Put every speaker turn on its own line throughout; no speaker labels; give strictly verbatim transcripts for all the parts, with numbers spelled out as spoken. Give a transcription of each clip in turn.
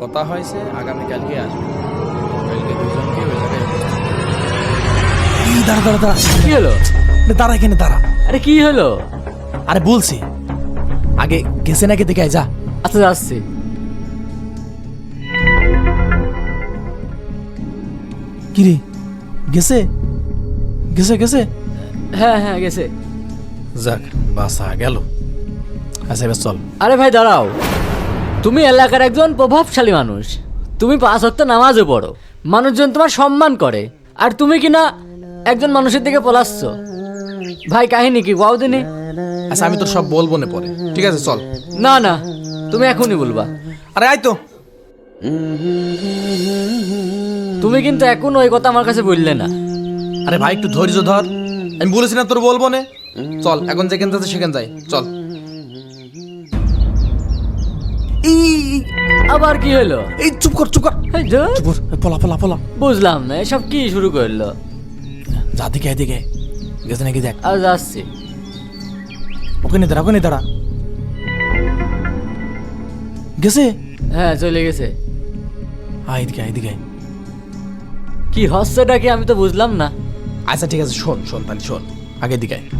কথা হয়েছে আগামীকালকে আসবে, কালকে দুজনকে ওই জায়গায়।
দাঁড়া দাঁড়া দাঁড়া,
কি হলো?
দাঁড়া এখানে দাঁড়া।
আরে কি হলো?
আরে বলছি আগে গেছে নাকি দেখে আয়, যা।
আচ্ছা যাচ্ছি।
কিরে গেছে গেছে গেছে
হ্যাঁ হ্যাঁ গেছে।
যাক বাসা গেল। আচ্ছা এবার চল।
আরে ভাই দাঁড়াও, তুমি এলাকার একজন প্রভাবশালী মানুষ, তুমি পাঁচ ওয়াক্ত নামাজও পড়ো, মানুষজন তোমার সম্মান করে, আর তুমি কিনা একজন মানুষের দিকে পলাচ্ছ। ভাই কাহিনী কি কোয়াও দিনে?
আচ্ছা আমি তোর সব বলবো না পরে, ঠিক আছে চল।
না না, তুমি এখনই বলবা।
আরে আয় তো।
তুমি কিন্তু এখন ওই কথা আমার কাছে বললে না।
আরে ভাই একটু ধৈর্য ধর, আমি বলেছি না তোর বলবো না। চল এখন যেখান থেকে সেখান যাই, চল। এই
আবার কি হলো?
এই চুপ কর চুপ কর
এই ধুর,
চুপ কর, পলা পলা পলা।
বুঝলাম না এসব কি শুরু করলো।
যা দিকে এদিকে গেছে নাকি দেখ।
আর যাচ্ছি।
ওখানে দাঁড়া ওখানে দাঁড়া। গেছে?
হ্যাঁ চলে গেছে।
আয় এদিকে আয়, এদিকে আয়।
কি হচ্ছেটা কি আমি তো বুঝলাম না।
আচ্ছা ঠিক আছে শোন শোন তাহলে শোন, আগে দিকে আয়।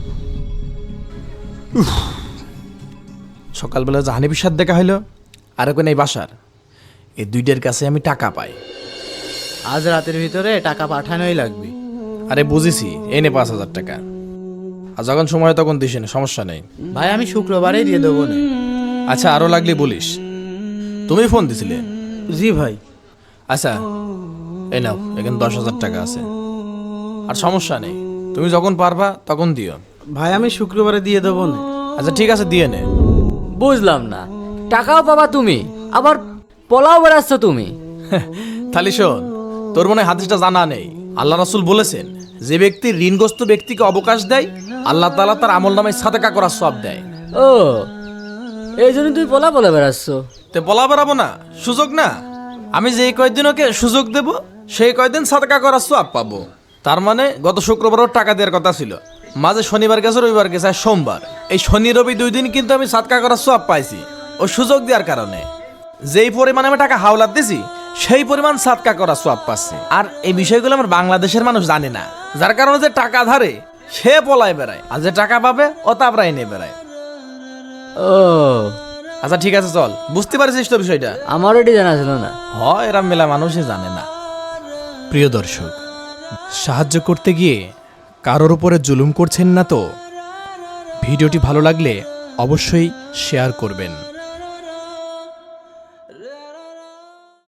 উফ, সকালবেলা জাহানিবির সাথে দেখা হইলো, আর ওখানে এই বাসার এই দুইটার কাছে আমি টাকা পাই।
আজ রাতের ভিতরে টাকা পাঠানোই লাগবে।
আরে বুঝেছি, এনে পাঁচ হাজার টাকা, আর যখন সময় হয় তখন দিস না, সমস্যা নেই।
ভাই আমি শুক্রবারেই দিয়ে দেবো না।
আচ্ছা আরো লাগলে বলিস। তুমি ফোন দিছিলে?
জি ভাই।
আচ্ছা এই নাও, এখানে দশ হাজার টাকা আছে, আর সমস্যা নেই, তুমি যখন পারবা তখন দিও।
ভাই আমি শুক্রবারে দিয়ে দেবো না।
আচ্ছা ঠিক আছে দিয়ে নে।
বুঝলাম না, টাকাও পাবা তুমি, আবার পলাও বেড়াচ্ছ তুমি।
তাহলে শোন, তোর মনে হয় হাদিসটা জানা নেই। আল্লাহ রাসূল বলেছেন, যে ব্যক্তি ঋণগ্রস্ত ব্যক্তিকে অবকাশ দেয়, আল্লাহ তাআলা তার আমল নামায় সাদেকা করার সওয়াব দেয়।
ও এই জন্য তুমি পলা পলা বেড়াচ্ছ।
তে বলা বেড়াবো না, সুযোগ না। আমি যেই কয়দিন ওকে সুযোগ দেব, সেই কয়দিন সাদেকা করার সওয়াব পাবো। তার মানে গত শুক্রবারও টাকা দেওয়ার কথা ছিল, মাঝে শনিবার গেছে, রবিবার গেছে, আর সোমবার। এই শনি রবি দুই দিন কিন্তু আমি সাদকা করার সওয়াব পাইছি ও সুযোগ দেওয়ার কারণে। যেই পরিমাণে আমি টাকা হাওলাত দিছি, সেই পরিমাণ সাদকা করার সওয়াব পাচ্ছি। আর এই বিষয়গুলো আমার বাংলাদেশের মানুষ জানে না, যার কারণে যে টাকা ধারে সে পলায় বেড়ায়, আর যে টাকা পাবে ও তাপরাই নিয়ে বেড়ায়।
ও
আচ্ছা ঠিক আছে চল, বুঝতে পারছিস তো বিষয়টা?
আমার এটি জানা ছিল না।
হয় এরা মেলা মানুষই জানে না। প্রিয় দর্শক, সাহায্য করতে গিয়ে কারোর উপরে জুলুম করছেন না তো? ভিডিওটি ভালো লাগলে অবশ্যই শেয়ার করবেন।